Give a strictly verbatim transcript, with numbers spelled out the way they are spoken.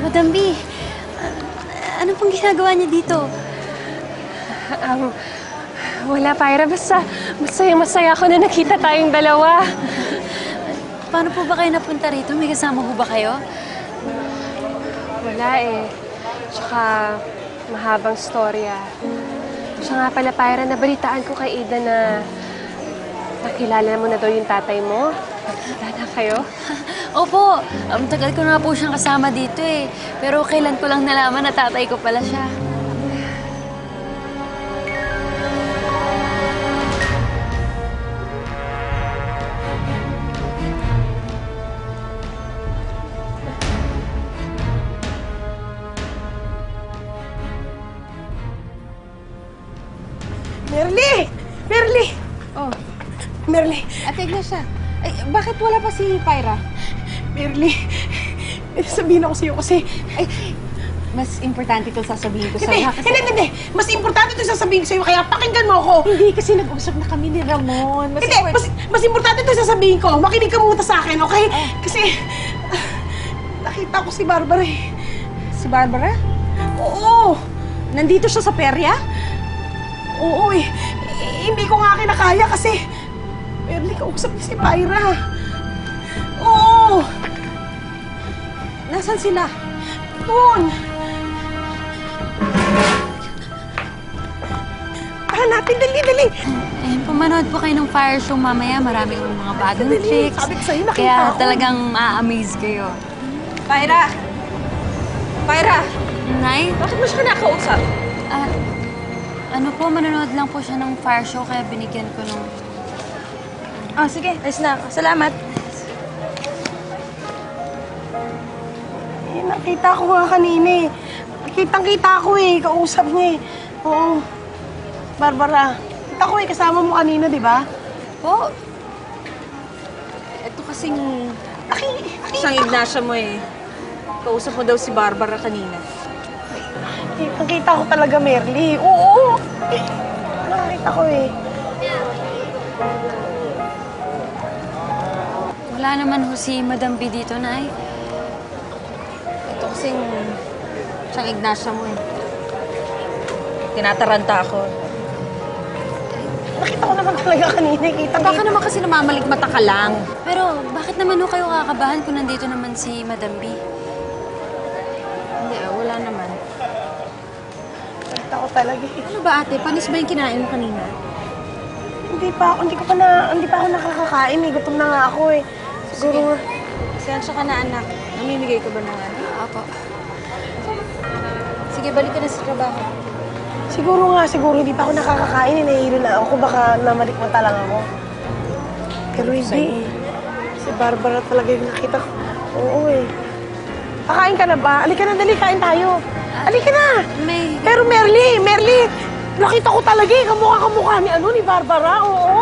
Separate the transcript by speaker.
Speaker 1: Madam B, uh, ano pong ginagawa niya dito?
Speaker 2: Um, wala, Pyra. Basta masaya-masaya ako na nakita tayong dalawa.
Speaker 1: Paano po ba kayo napunta rito? May kasama po ba kayo?
Speaker 2: Wala eh. Tsaka mahabang storya. Siya nga pala, Pyra, nabalitaan ko kay Ida na nakilala mo na daw yung tatay mo. Nakita na kayo?
Speaker 1: Opo, um, tagal ko na po siyang kasama dito eh. Pero kailan ko lang nalaman na tatay ko pala siya.
Speaker 3: Merly! Merly!
Speaker 4: Oh,
Speaker 3: Merly!
Speaker 4: Ate Ignacia, ay, bakit wala pa si Pyra?
Speaker 3: Merly! May sabihin ako sa'yo kasi...
Speaker 4: Ay, mas importante itong sasabihin ko
Speaker 3: Hindi!
Speaker 4: sa'yo. ha? Kasi-
Speaker 3: Hindi! Hindi! Mas importante ito sasabihin ko sa'yo kaya pakinggan mo ako!
Speaker 4: Hindi, kasi nag-usap na kami ni Ramon. Mas
Speaker 3: Hindi!
Speaker 4: import-
Speaker 3: Mas, mas importante ito sasabihin ko! Makinig ka muna sa akin, okay? Kasi... ah, nakita ko si Barbara eh.
Speaker 4: Si Barbara?
Speaker 3: Oo!
Speaker 4: Nandito siya sa perya?
Speaker 3: Oo eh. Eh, Hindi ko nga kinakaya kasi... Merly, kausap niya si Pyra. Oo!
Speaker 4: Nasaan sila?
Speaker 3: Doon! Ah, natin, dali, dali!
Speaker 1: Eh, pumanood po kayo ng fire show mamaya. Maraming mga bagong
Speaker 3: Dali,
Speaker 1: tricks.
Speaker 3: sabi ko sa'yo, nakita
Speaker 1: Kaya
Speaker 3: ko.
Speaker 1: talagang ma-amaze kayo.
Speaker 4: Pyra! Pyra!
Speaker 1: Nay,
Speaker 4: Bakit mo siya kinakausap?
Speaker 1: ah, ano po, manonood lang po siya ng fire show kaya binigyan ko nung...
Speaker 4: Ah, sige. Ayos na ako. Salamat.
Speaker 3: Eh, nakita ko nga kanina eh. Kitang-kita ko eh, kausap niya eh. Oo. Barbara, kita ko eh, kasama mo kanina, di ba?
Speaker 4: Po. Ito kasing
Speaker 3: Aki,
Speaker 4: isang Ignacia mo eh. Kausap mo daw si Barbara kanina.
Speaker 3: kitang-kita ko talaga, Merly. Oo. Eh, nakita ko eh.
Speaker 1: Wala naman ho si Madam B dito, Nay.
Speaker 4: Ito kasing isang Ignacia mo eh. Tinataranta ako.
Speaker 3: Nakita ko naman talaga kanina, eh, kita
Speaker 4: Baka naman kasi namamalikmata ka lang.
Speaker 1: Pero bakit naman ho kayo kakabahan kung nandito naman si Madam B?
Speaker 4: Hindi, ah, wala naman.
Speaker 3: Nakita ko talaga eh.
Speaker 4: Ano ba ate? Panis ba yung kinain mo kanina?
Speaker 3: Hindi pa ako, hindi ko pa na, hindi pa ako nakakakain eh. Gutom na nga ako eh. Siguro,
Speaker 4: Sensya ka na anak. Namimigay ka ba ng ano?
Speaker 1: Apo.
Speaker 4: Sige, balik ka na sa trabaho.
Speaker 3: siguro nga, siguro hindi pa ako nakakakain eh. Nahihilo na ako, baka namalikmata lang ako. Pero hindi. Si Barbara talaga yung nakita ko. Oo eh. Kakain ka na ba? Alika na, dali, kain tayo. Alika na!
Speaker 1: May...
Speaker 3: Pero Merly, Merly, nakita ko talaga eh. Kamukha-kamukha ni ano, ni Barbara. Oo.